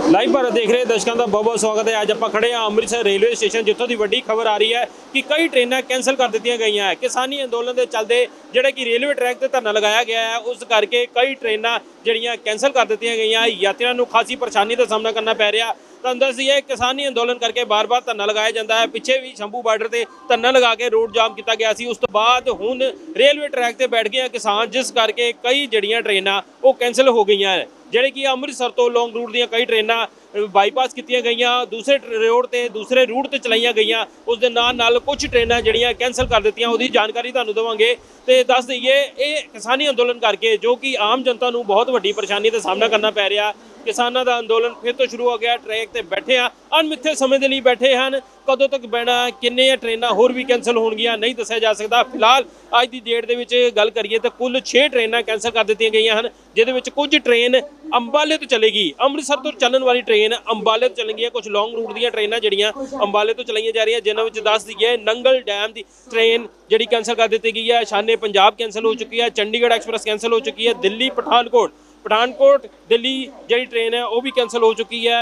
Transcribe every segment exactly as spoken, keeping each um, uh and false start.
Live Bharat ਦੇਖ ਰਹੇ ਦਰਸ਼ਕਾਂ ਦਾ ਬਹੁਤ ਬਹੁਤ ਸਵਾਗਤ ਹੈ। ਅੱਜ ਆਪਾਂ ਖੜੇ ਹਾਂ ਅੰਮ੍ਰਿਤਸਰ ਰੇਲਵੇ ਸਟੇਸ਼ਨ, ਜਿੱਥੋਂ ਦੀ ਵੱਡੀ ਖਬਰ ਆ ਰਹੀ ਹੈ ਕਿ ਕਈ ਟ੍ਰੇਨਾਂ ਕੈਂਸਲ ਕਰ ਦਿੱਤੀਆਂ ਗਈਆਂ ਹੈ। ਕਿਸਾਨੀ ਅੰਦੋਲਨ ਦੇ ਚੱਲਦੇ ਜਿਹੜੇ ਕਿ ਰੇਲਵੇ ਟਰੈਕ ਤੇ ਧਰਨਾ ਲਗਾਇਆ ਗਿਆ ਹੈ, ਉਸ ਕਰਕੇ ਕਈ ਟ੍ਰੇਨਾਂ ਜਿਹੜੀਆਂ ਕੈਂਸਲ ਕਰ ਦਿੱਤੀਆਂ ਗਈਆਂ। ਯਾਤਰੀਆਂ ਨੂੰ ਖਾਸੀ ਪਰੇਸ਼ਾਨੀ ਦਾ ਸਾਹਮਣਾ ਕਰਨਾ ਪੈ ਰਿਹਾ। ਤੁਹਾਨੂੰ ਦੱਸੀਏ, ਕਿਸਾਨੀ ਅੰਦੋਲਨ ਕਰਕੇ ਬਾਰ-ਬਾਰ ਧਰਨਾ ਲਗਾਇਆ ਜਾਂਦਾ ਹੈ। ਪਿੱਛੇ ਵੀ ਸ਼ੰਭੂ ਬਾਰਡਰ ਤੇ ਧਰਨਾ ਲਗਾ ਕੇ ਰੋਡ ਜਾਮ ਕੀਤਾ ਗਿਆ ਸੀ। ਉਸ ਤੋਂ ਬਾਅਦ ਹੁਣ ਰੇਲਵੇ ਟਰੈਕ ਤੇ ਬੈਠ ਗਏ ਕਿਸਾਨ, ਜਿਸ ਕਰਕੇ ਕਈ ਜਿਹੜੀਆਂ ਟ੍ਰੇਨਾਂ ਉਹ ਕੈਂਸਲ ਹੋ ਗਈਆਂ ਹੈ। ਜਿਹੜੇ ਕਿ ਅੰਮ੍ਰਿਤਸਰ ਤੋਂ ਲੌਂਗ ਰੂਟ ਦੀਆਂ ਕਈ ਟ੍ਰੇਨਾਂ ਬਾਈਪਾਸ ਕੀਤੀਆਂ ਗਈਆਂ, ਦੂਸਰੇ ਰੋਡ ਤੇ ਦੂਸਰੇ ਰੂਟ ਤੇ ਚਲਾਈਆਂ ਗਈਆਂ। ਉਸ ਦੇ ਨਾਲ ਨਾਲ ਕੁਝ ਟ੍ਰੇਨਾਂ ਜਿਹੜੀਆਂ ਕੈਂਸਲ ਕਰ ਦਿੱਤੀਆਂ, ਉਹਦੀ ਜਾਣਕਾਰੀ ਤੁਹਾਨੂੰ ਦੇਵਾਂਗੇ। ਤੇ ਦੱਸ ਦਈਏ, ਇਹ ਕਿਸਾਨੀ ਅੰਦੋਲਨ ਕਰਕੇ ਜੋ ਕਿ ਆਮ ਜਨਤਾ ਨੂੰ ਬਹੁਤ ਵੱਡੀ ਪਰੇਸ਼ਾਨੀ ਦਾ ਸਾਹਮਣਾ ਕਰਨਾ ਪੈ ਰਿਹਾ। ਕਿਸਾਨਾਂ ਦਾ ਅੰਦੋਲਨ ਫਿਰ ਤੋਂ ਸ਼ੁਰੂ ਹੋ ਗਿਆ। ਟਰੈਕ ਤੇ ਬੈਠੇ ਆ, ਅਣਮਿੱਥੇ ਸਮੇਂ ਦੇ ਲਈ ਬੈਠੇ ਹਨ। ਕਦੋਂ ਤੱਕ ਬਹਿਣਾ, ਕਿੰਨੇ ਟ੍ਰੇਨਾਂ ਹੋਰ ਵੀ ਕੈਂਸਲ ਹੋਣਗੀਆਂ, ਨਹੀਂ ਦੱਸਿਆ ਜਾ ਸਕਦਾ। ਫਿਲਹਾਲ ਅੱਜ ਦੀ ਡੇਟ ਦੇ ਵਿੱਚ ਗੱਲ ਕਰੀਏ ਤਾਂ ਕੁੱਲ ਛੇ ਟ੍ਰੇਨਾਂ ਕੈਂਸਲ ਕਰ ਦਿੱਤੀਆਂ ਗਈਆਂ ਹਨ, ਜਿਹਦੇ ਵਿੱਚ ਕੁਝ ਟ੍ਰੇਨ ਅੰਬਾਲੇ ਤੋਂ ਚੱਲੇਗੀ। ਅੰਮ੍ਰਿਤਸਰ ਤੋਂ ਚੱਲਣ ਵਾਲੀ ਟ੍ਰੇਨ ਅੰਬਾਲੇ ਤੋਂ ਚੱਲਣਗੀਆਂ। ਕੁਝ ਲੌਂਗ ਰੂਟ ਦੀਆਂ ਟ੍ਰੇਨਾਂ ਜਿਹੜੀਆਂ ਅੰਬਾਲੇ ਤੋਂ ਚਲਾਈਆਂ ਜਾ ਰਹੀਆਂ, ਜਿਨ੍ਹਾਂ ਵਿੱਚ ਦੱਸ ਦਈਏ ਨੰਗਲ ਡੈਮ ਦੀ ਟ੍ਰੇਨ ਜਿਹੜੀ ਕੈਂਸਲ ਕਰ ਦਿੱਤੀ ਗਈ ਹੈ। ਸ਼ਾਨੇ ਪੰਜਾਬ ਕੈਂਸਲ ਹੋ ਚੁੱਕੀ ਹੈ। ਚੰਡੀਗੜ੍ਹ ਐਕਸਪ੍ਰੈਸ ਕੈਂਸਲ ਹੋ ਚੁੱਕੀ ਹੈ। ਦਿੱਲੀ ਪਠਾਨਕੋਟ ਪਠਾਨਕੋਟ ਦਿੱਲੀ ਜਿਹੜੀ ਟ੍ਰੇਨ ਹੈ ਉਹ ਵੀ ਕੈਂਸਲ ਹੋ ਚੁੱਕੀ ਹੈ।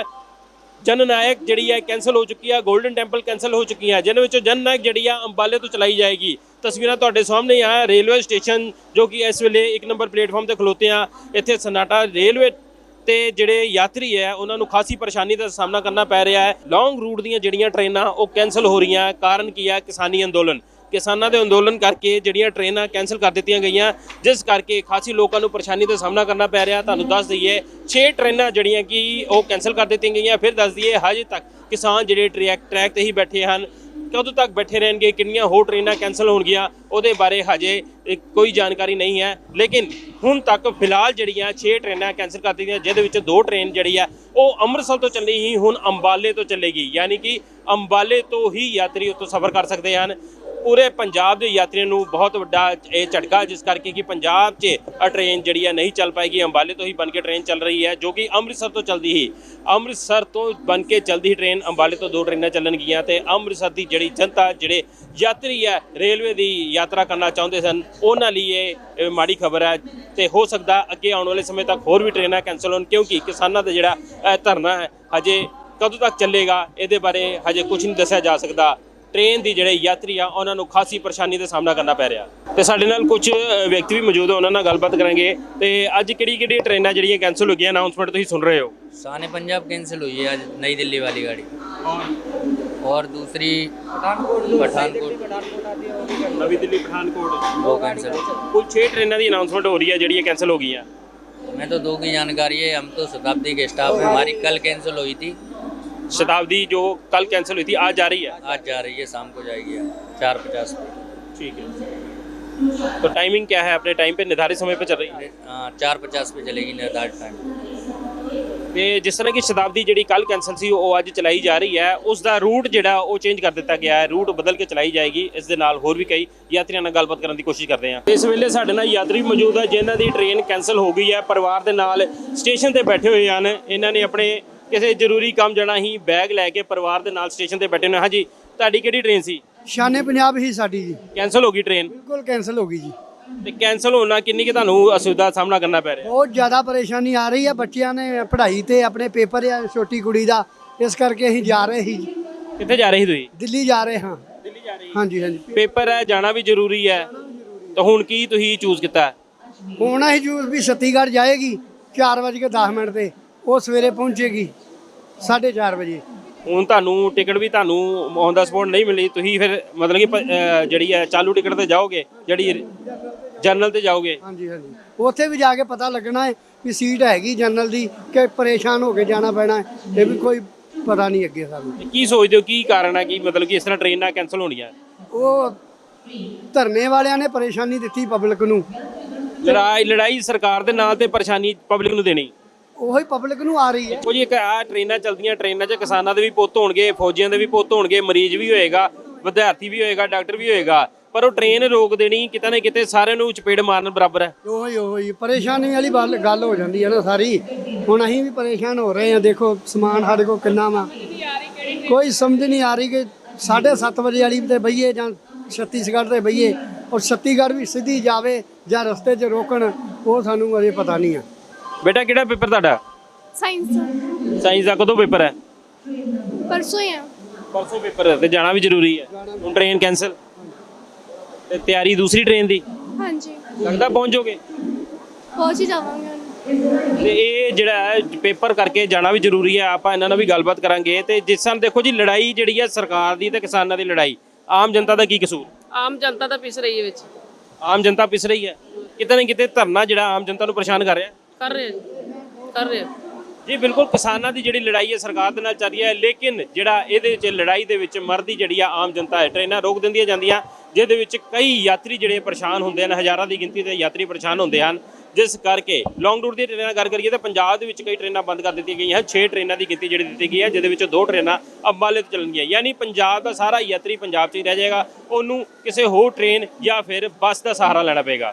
ਜਨ ਨਾਇਕ ਜਿਹੜੀ ਹੈ ਕੈਂਸਲ ਹੋ ਚੁੱਕੀ ਹੈ। ਗੋਲਡਨ ਟੈਂਪਲ ਕੈਂਸਲ ਹੋ ਚੁੱਕੀ ਹੈ, ਜਿਹਨਾਂ ਵਿੱਚੋਂ ਜਨ ਨਾਇਕ ਜਿਹੜੀ ਆ ਅੰਬਾਲੇ ਤੋਂ ਚਲਾਈ ਜਾਏਗੀ। ਤਸਵੀਰਾਂ ਤੁਹਾਡੇ ਸਾਹਮਣੇ ਆ ਰੇਲਵੇ ਸਟੇਸ਼ਨ, ਜੋ ਕਿ ਇਸ ਵੇਲੇ ਇੱਕ ਨੰਬਰ ਪਲੇਟਫਾਰਮ ਤੇ ਖਲੋਤੇ ਆ। ਇੱਥੇ ਸਨਾਟਾ ਰੇਲਵੇ ਤੇ ਜਿਹੜੇ ਯਾਤਰੀ ਹੈ ਉਹਨਾਂ ਨੂੰ ਖਾਸੀ ਪਰੇਸ਼ਾਨੀ ਦਾ ਸਾਹਮਣਾ ਕਰਨਾ ਪੈ ਰਿਹਾ ਹੈ। ਲੌਂਗ ਰੂਟ ਦੀਆਂ ਜਿਹੜੀਆਂ ਟ੍ਰੇਨਾਂ ਉਹ ਕੈਂਸਲ ਹੋ ਰਹੀਆਂ। ਕਾਰਨ ਕੀ ਹੈ? ਕਿਸਾਨੀ ਅੰਦੋਲਨ। ਕਿਸਾਨਾਂ ਦੇ ਅੰਦੋਲਨ ਕਰਕੇ ਜਿਹੜੀਆਂ ਟ੍ਰੇਨਾਂ ਕੈਂਸਲ ਕਰ ਦਿੱਤੀਆਂ ਗਈਆਂ, ਜਿਸ ਕਰਕੇ ਖਾਸੀ ਲੋਕਾਂ ਨੂੰ ਪਰੇਸ਼ਾਨੀ ਦਾ ਸਾਹਮਣਾ ਕਰਨਾ ਪੈ ਰਿਹਾ। ਤੁਹਾਨੂੰ ਦੱਸ ਦਈਏ, ਛੇ ਟ੍ਰੇਨਾਂ ਜਿਹੜੀਆਂ ਕਿ ਉਹ ਕੈਂਸਲ ਕਰ ਦਿੱਤੀਆਂ ਗਈਆਂ। ਫਿਰ ਦੱਸ ਦਈਏ, ਹਜੇ ਤੱਕ ਕਿਸਾਨ ਜਿਹੜੇ ਟਰੈਕ ਟਰੈਕ ਤੇ ਹੀ ਬੈਠੇ ਹਨ। ਕਦੋਂ ਤੱਕ ਬੈਠੇ ਰਹਿਣਗੇ, ਕਿੰਨੀਆਂ ਹੋਰ ਟ੍ਰੇਨਾਂ ਕੈਂਸਲ ਹੋਣਗੀਆਂ, ਉਹਦੇ ਬਾਰੇ ਹਜੇ ਕੋਈ ਜਾਣਕਾਰੀ ਨਹੀਂ ਹੈ। ਲੇਕਿਨ ਹੁਣ ਤੱਕ ਫਿਲਹਾਲ ਜਿਹੜੀਆਂ ਛੇ ਟ੍ਰੇਨਾਂ ਕੈਂਸਲ ਕਰ ਦਿੱਤੀਆਂ, ਜਿਹਦੇ ਵਿੱਚ ਦੋ ਟ੍ਰੇਨ ਜਿਹੜੀ ਹੈ ਉਹ ਅੰਮ੍ਰਿਤਸਰ ਤੋਂ ਚੱਲੀ ਹੀ ਹੁਣ ਅੰਬਾਲੇ ਤੋਂ ਚੱਲੇਗੀ। ਯਾਨੀ ਕਿ ਅੰਬਾਲੇ ਤੋਂ ਹੀ ਯਾਤਰੀ ਉੱਥੋਂ ਸਫ਼ਰ ਕਰ ਸਕਦੇ ਹਨ। ਪੂਰੇ ਪੰਜਾਬ ਦੇ ਯਾਤਰੀਆਂ ਨੂੰ ਬਹੁਤ ਵੱਡਾ ਇਹ ਝਟਕਾ, ਜਿਸ ਕਰਕੇ ਕਿ ਪੰਜਾਬ 'ਚ ਟ੍ਰੇਨ ਜਿਹੜੀ ਹੈ ਨਹੀਂ ਚੱਲ ਪਾਏਗੀ। ਅੰਬਾਲੇ ਤੋਂ ਹੀ ਬਣ ਕੇ ਟ੍ਰੇਨ ਚੱਲ ਰਹੀ ਹੈ, ਜੋ ਕਿ ਅੰਮ੍ਰਿਤਸਰ ਤੋਂ ਚੱਲਦੀ ਹੀ ਅੰਮ੍ਰਿਤਸਰ ਤੋਂ ਬਣ ਕੇ ਚੱਲਦੀ ਹੀ ਟ੍ਰੇਨ ਅੰਬਾਲੇ ਤੋਂ ਦੋ ਟ੍ਰੇਨਾਂ ਚੱਲਣਗੀਆਂ। ਤੇ ਅੰਮ੍ਰਿਤਸਰ ਦੀ ਜਿਹੜੀ ਜਨਤਾ, ਜਿਹੜੇ ਯਾਤਰੀ ਹੈ ਰੇਲਵੇ ਦੀ ਯਾਤਰਾ ਕਰਨਾ ਚਾਹੁੰਦੇ ਸਨ, ਉਹਨਾਂ ਲਈ ਇਹ ਮਾੜੀ ਖਬਰ ਹੈ। ਤੇ ਹੋ ਸਕਦਾ ਅੱਗੇ ਆਉਣ ਵਾਲੇ ਸਮੇਂ ਤੱਕ ਹੋਰ ਵੀ ਟ੍ਰੇਨਾਂ ਕੈਂਸਲ ਹੋਣ, ਕਿਉਂਕਿ ਕਿਸਾਨਾਂ ਦਾ ਜਿਹੜਾ ਧਰਨਾ ਹੈ ਹਜੇ ਕਦੋਂ ਤੱਕ ਚੱਲੇਗਾ, ਇਹਦੇ ਬਾਰੇ ਹਜੇ ਕੁਝ ਨਹੀਂ ਦੱਸਿਆ ਜਾ ਸਕਦਾ। ਟ੍ਰੇਨ ਦੀ ਜਿਹੜੇ ਯਾਤਰੀ ਆ ਉਹਨਾਂ ਨੂੰ ਖਾਸੀ ਪਰੇਸ਼ਾਨੀ ਦਾ ਸਾਹਮਣਾ ਕਰਨਾ ਪੈ ਰਿਹਾ। ਤੇ ਸਾਡੇ ਨਾਲ ਕੁਝ ਵਿਅਕਤੀ ਵੀ ਮੌਜੂਦ ਆ, ਉਹਨਾਂ ਨਾਲ ਗੱਲਬਾਤ ਕਰਾਂਗੇ। ਤੇ ਅੱਜ ਕਿਹੜੀ ਕਿਹੜੀ ਟ੍ਰੇਨਾਂ ਜਿਹੜੀਆਂ ਕੈਂਸਲ ਹੋ ਗਈਆਂ, ਅਨਾਉਂਸਮੈਂਟ ਤੁਸੀਂ ਸੁਣ ਰਹੇ ਹੋ? शान पंजाब कैंसिल हुई है आज, नई दिल्ली वाली गाड़ी, और दूसरी पठानकोट नवी दिल्ली पठानकोट वो कैंसिल। कुल छह ट्रेनों की अनाउंसमेंट हो रही है ਜਿਹੜੀ कैंसिल हो गई हैं। मैं तो दो की जानकारी है, हम तो शताब्दी के स्टाफ है, हमारी कल कैंसिल हुई थी। शताब्दी जो कल कैंसिल हुई थी आज जा रही है? आज जा रही है, शाम को जाएगी चार पचास पे। ठीक है, तो टाइमिंग क्या है? अपने टाइम पे निर्धारित समय पे चल रही है? हाँ, चार पचास पे चलेगी निर्धारित टाइम। ਤੇ ਜਿਸ ਤਰ੍ਹਾਂ ਕਿ ਸ਼ਤਾਬਦੀ ਜਿਹੜੀ ਕੱਲ ਕੈਂਸਲ ਸੀ ਉਹ ਅੱਜ ਚਲਾਈ ਜਾ ਰਹੀ ਹੈ, ਉਸ ਦਾ ਰੂਟ ਜਿਹੜਾ ਉਹ ਚੇਂਜ ਕਰ ਦਿੱਤਾ ਗਿਆ ਹੈ। ਰੂਟ ਬਦਲ ਕੇ ਚਲਾਈ ਜਾਏਗੀ। ਇਸ ਦੇ ਨਾਲ ਹੋਰ ਵੀ ਕਈ ਯਾਤਰੀਆਂ ਨਾਲ ਗੱਲਬਾਤ ਕਰਨ ਦੀ ਕੋਸ਼ਿਸ਼ ਕਰਦੇ ਹਾਂ। ਇਸ ਵੇਲੇ ਸਾਡੇ ਨਾਲ ਯਾਤਰੀ ਮੌਜੂਦ ਹੈ, ਜਿਨ੍ਹਾਂ ਦੀ ਟ੍ਰੇਨ ਕੈਂਸਲ ਹੋ ਗਈ ਹੈ। ਪਰਿਵਾਰ ਦੇ ਨਾਲ ਸਟੇਸ਼ਨ ਤੇ ਬੈਠੇ ਹੋਏ ਹਨ। ਇਹਨਾਂ ਨੇ ਆਪਣੇ ਕਿਸੇ ਜ਼ਰੂਰੀ ਕੰਮ ਜਾਣਾ ਹੀ, ਬੈਗ ਲੈ ਕੇ ਪਰਿਵਾਰ ਦੇ ਨਾਲ ਸਟੇਸ਼ਨ ਤੇ ਬੈਠੇ ਨੇ। ਹਾਂਜੀ, ਤੁਹਾਡੀ ਕਿਹੜੀ ਟ੍ਰੇਨ ਸੀ? ਸ਼ਾਨੇ ਪੰਜਾਬ ਹੀ ਸਾਡੀ ਜੀ। ਕੈਂਸਲ ਹੋ ਗਈ ਟ੍ਰੇਨ? ਬਿਲਕੁਲ ਕੈਂਸਲ ਹੋ ਗਈ ਜੀ। ਤੇ ਕੈਂਸਲ ਹੋਣ ਨਾਲ ਕਿੰਨੀ ਕਿ ਤੁਹਾਨੂੰ ਅਸੁਵਿਧਾ ਦਾ ਸਾਹਮਣਾ ਕਰਨਾ ਪੈ ਰਿਹਾ? ਬਹੁਤ ਜ਼ਿਆਦਾ ਪਰੇਸ਼ਾਨੀ ਆ ਰਹੀ ਹੈ। ਬੱਚਿਆਂ ਨੇ ਪੜ੍ਹਾਈ ਤੇ ਆਪਣੇ ਪੇਪਰ ਆ, ਛੋਟੀ ਕੁੜੀ ਦਾ, ਇਸ ਕਰਕੇ ਅਸੀਂ ਜਾ ਰਹੇ ਸੀ। ਕਿੱਥੇ ਜਾ ਰਹੇ ਸੀ ਤੁਸੀਂ? ਦਿੱਲੀ ਜਾ ਰਹੇ ਹਾਂ। ਦਿੱਲੀ ਜਾ ਰਹੇ? ਹਾਂਜੀ ਹਾਂਜੀ। ਪੇਪਰ ਹੈ, ਜਾਣਾ ਵੀ ਜ਼ਰੂਰੀ ਹੈ। ਤਾਂ ਹੁਣ ਕੀ ਤੁਸੀਂ ਚੂਜ਼ ਕੀਤਾ? ਹੁਣ ਅਸੀਂ ਜੂਸ ਵੀ ਛੱਤੀਗੜ੍ਹ ਜਾਏਗੀ ਚਾਰ ਵਜੇ ਕੇ ਦਸ ਮਿੰਟ ਤੇ, ਉਹ ਸਵੇਰੇ ਪਹੁੰਚੇਗੀ ਸਾਢੇ ਚਾਰ ਵਜੇ। ਹੁਣ ਤੁਹਾਨੂੰ ਟਿਕਟ ਵੀ ਤੁਹਾਨੂੰ ਔਨ ਦਾ ਸਪੌਟ ਨਹੀਂ ਮਿਲੀ, ਤੁਸੀਂ ਫਿਰ ਮਤਲਬ ਕਿ ਜਿਹੜੀ ਹੈ ਚਾਲੂ ਟਿਕਟ ਤੇ ਜਾਓਗੇ, ਜਿਹੜੀ ਜਨਰਲ ਤੇ ਜਾਓਗੇ? ਹਾਂਜੀ ਹਾਂਜੀ, ਉੱਥੇ ਵੀ ਜਾ ਕੇ ਪਤਾ ਲੱਗਣਾ ਹੈ ਵੀ ਸੀਟ ਹੈਗੀ ਜਨਰਲ ਦੀ ਕਿ ਪਰੇਸ਼ਾਨ ਹੋ ਕੇ ਜਾਣਾ ਪੈਣਾ ਹੈ। ਇਹ ਵੀ ਕੋਈ ਪਤਾ ਨਹੀਂ ਅੱਗੇ ਸਾਨੂੰ। ਕੀ ਸੋਚਦੇ ਹੋ, ਕੀ ਕਾਰਨ ਹੈ ਕਿ ਮਤਲਬ ਕਿ ਇਸ ਤਰ੍ਹਾਂ ਟ੍ਰੇਨਾਂ ਕੈਂਸਲ ਹੋਣੀਆਂ? ਉਹ ਧਰਨੇ ਵਾਲਿਆਂ ਨੇ ਪਰੇਸ਼ਾਨੀ ਦਿੱਤੀ ਪਬਲਿਕ ਨੂੰ। ਲੜਾਈ ਲੜਾਈ ਸਰਕਾਰ ਦੇ ਨਾਲ ਤੇ ਪਰੇਸ਼ਾਨੀ ਪਬਲਿਕ ਨੂੰ ਦੇਣੀ, ਉਹੀ ਪਬਲਿਕ ਨੂੰ ਆ ਰਹੀ ਹੈ। ਕੁਝ ਇੱਕ ਆ ਟ੍ਰੇਨਾਂ ਚੱਲਦੀਆਂ, ਟ੍ਰੇਨਾਂ 'ਚ ਕਿਸਾਨਾਂ ਦੇ ਵੀ ਪੁੱਤ ਹੋਣਗੇ, ਫੌਜੀਆਂ ਦੇ ਵੀ ਪੁੱਤ ਹੋਣਗੇ, ਮਰੀਜ਼ ਵੀ ਹੋਏਗਾ, ਵਿਦਿਆਰਥੀ ਵੀ ਹੋਏਗਾ, ਡਾਕਟਰ ਵੀ ਹੋਏਗਾ, ਪਰ ਉਹ ਟ੍ਰੇਨ ਰੋਕ ਦੇਣੀ ਕਿਤੇ ਨਾ ਕਿਤੇ ਸਾਰਿਆਂ ਨੂੰ ਚਪੇੜ ਮਾਰਨ ਬਰਾਬਰ ਹੈ। ਉਹੀ ਉਹੀ ਪਰੇਸ਼ਾਨੀ ਵਾਲੀ ਗੱਲ ਹੋ ਜਾਂਦੀ ਹੈ ਨਾ ਸਾਰੀ। ਹੁਣ ਅਸੀਂ ਵੀ ਪਰੇਸ਼ਾਨ ਹੋ ਰਹੇ ਹਾਂ। ਦੇਖੋ ਸਮਾਨ ਸਾਡੇ ਕੋਲ ਕਿੰਨਾ ਵਾ, ਕੋਈ ਸਮਝ ਨਹੀਂ ਆ ਰਹੀ ਕਿ ਸਾਢੇ ਸੱਤ ਵਜੇ ਵਾਲੀ ਤੇ ਬਈਏ ਜਾਂ ਛੱਤੀਸਗੜ੍ਹ ਤੇ ਬਈਏ, ਔਰ ਛੱਤੀਸਗੜ੍ਹ ਵੀ ਸਿੱਧੀ ਜਾਵੇ ਜਾਂ ਰਸਤੇ 'ਚ ਰੋਕਣ, ਉਹ ਸਾਨੂੰ ਅਜੇ ਪਤਾ ਨਹੀਂ ਆ। ਬੇਟਾ ਕਿਹੜਾ ਪੇਪਰ ਤੁਹਾਡਾ? ਸਾਇੰਸ ਸਾਇੰਸ ਦਾ ਕਦੋਂ ਪੇਪਰ ਹੈ? ਪਰਸੋਂ ਹੀ ਆ। ਪਰਸੋਂ ਪੇਪਰ ਹੈ ਤੇ ਜਾਣਾ ਵੀ ਜ਼ਰੂਰੀ ਹੈ। ਹੁਣ ਟ੍ਰੇਨ ਕੈਂਸਲ ਤੇ ਤਿਆਰੀ ਦੂਸਰੀ ਟ੍ਰੇਨ ਦੀ ਹਾਂਜੀ ਲੱਗਦਾ ਪਹੁੰਚ ਜਾਓਗੇ? ਪਹੁੰਚ ਹੀ ਜਾਵਾਂਗੇ ਹੁਣ। ਤੇ ਇਹ ਜਿਹੜਾ ਹੈ ਪੇਪਰ ਕਰਕੇ ਜਾਣਾ ਵੀ ਜ਼ਰੂਰੀ ਹੈ। ਆਪਾਂ ਇਹਨਾਂ ਨਾਲ ਵੀ ਗੱਲਬਾਤ ਕਰਾਂਗੇ। ਤੇ ਜਿਸ ਤਰ੍ਹਾਂ ਦੇਖੋ ਜੀ, ਲੜਾਈ ਜਿਹੜੀ ਹੈ ਸਰਕਾਰ ਦੀ ਤੇ ਕਿਸਾਨਾਂ ਦੀ ਲੜਾਈ, ਆਮ ਜਨਤਾ ਦਾ ਕੀ ਕਸੂਰ? ਆਮ ਜਨਤਾ ਤਾਂ ਪਿਸ ਰਹੀ ਹੈ ਵਿੱਚ, ਆਮ ਜਨਤਾ ਪਿਸ ਰਹੀ ਹੈ। ਕਿਤੇ ਨਾ ਕਿਤੇ ਧਰਨਾ ਜਿਹੜਾ ਆਮ ਜਨਤਾ ਨੂੰ ਪਰੇਸ਼ਾਨ ਕਰ ਰਿਹਾ। ਕਰ ਰਹੇ ਜੀ, ਕਰ ਰਹੇ ਜੀ ਬਿਲਕੁਲ, ਕਿਸਾਨਾਂ ਦੀ ਜਿਹੜੀ ਲੜਾਈ ਹੈ ਸਰਕਾਰ ਦੇ ਨਾਲ ਚੱਲ ਰਹੀ ਹੈ, ਲੇਕਿਨ ਜਿਹੜਾ ਇਹਦੇ ਵਿੱਚ ਲੜਾਈ ਦੇ ਵਿੱਚ ਮਰਦੀ ਜਿਹੜੀ ਆ ਆਮ ਜਨਤਾ ਹੈ। ਟ੍ਰੇਨਾਂ ਰੋਕ ਦਿੰਦੀਆਂ ਜਾਂਦੀਆਂ, ਜਿਹਦੇ ਵਿੱਚ ਕਈ ਯਾਤਰੀ ਜਿਹੜੇ ਪਰੇਸ਼ਾਨ ਹੁੰਦੇ ਹਨ, ਹਜ਼ਾਰਾਂ ਦੀ ਗਿਣਤੀ ਦੇ ਯਾਤਰੀ ਪਰੇਸ਼ਾਨ ਹੁੰਦੇ ਹਨ, ਜਿਸ ਕਰਕੇ ਲੌਂਗ ਰੂਟ ਦੀ ਟ੍ਰੇਨਾਂ ਗੱਲ ਕਰੀਏ ਤਾਂ ਪੰਜਾਬ ਦੇ ਵਿੱਚ ਕਈ ਟ੍ਰੇਨਾਂ ਬੰਦ ਕਰ ਦਿੱਤੀਆਂ ਗਈਆਂ ਹਨ। ਛੇ ਟ੍ਰੇਨਾਂ ਦੀ ਗਿਣਤੀ ਜਿਹੜੀ ਦਿੱਤੀ ਗਈ ਹੈ, ਜਿਹਦੇ ਵਿੱਚ ਦੋ ਟ੍ਰੇਨਾਂ ਅੰਬਾਲੇ ਤੋਂ ਚੱਲਣਗੀਆਂ। ਯਾਨੀ ਪੰਜਾਬ ਦਾ ਸਾਰਾ ਯਾਤਰੀ ਪੰਜਾਬ 'ਚ ਹੀ ਰਹਿ ਜਾਏਗਾ, ਉਹਨੂੰ ਕਿਸੇ ਹੋਰ ਟ੍ਰੇਨ ਜਾਂ ਫਿਰ ਬੱਸ ਦਾ ਸਹਾਰਾ ਲੈਣਾ ਪਏਗਾ।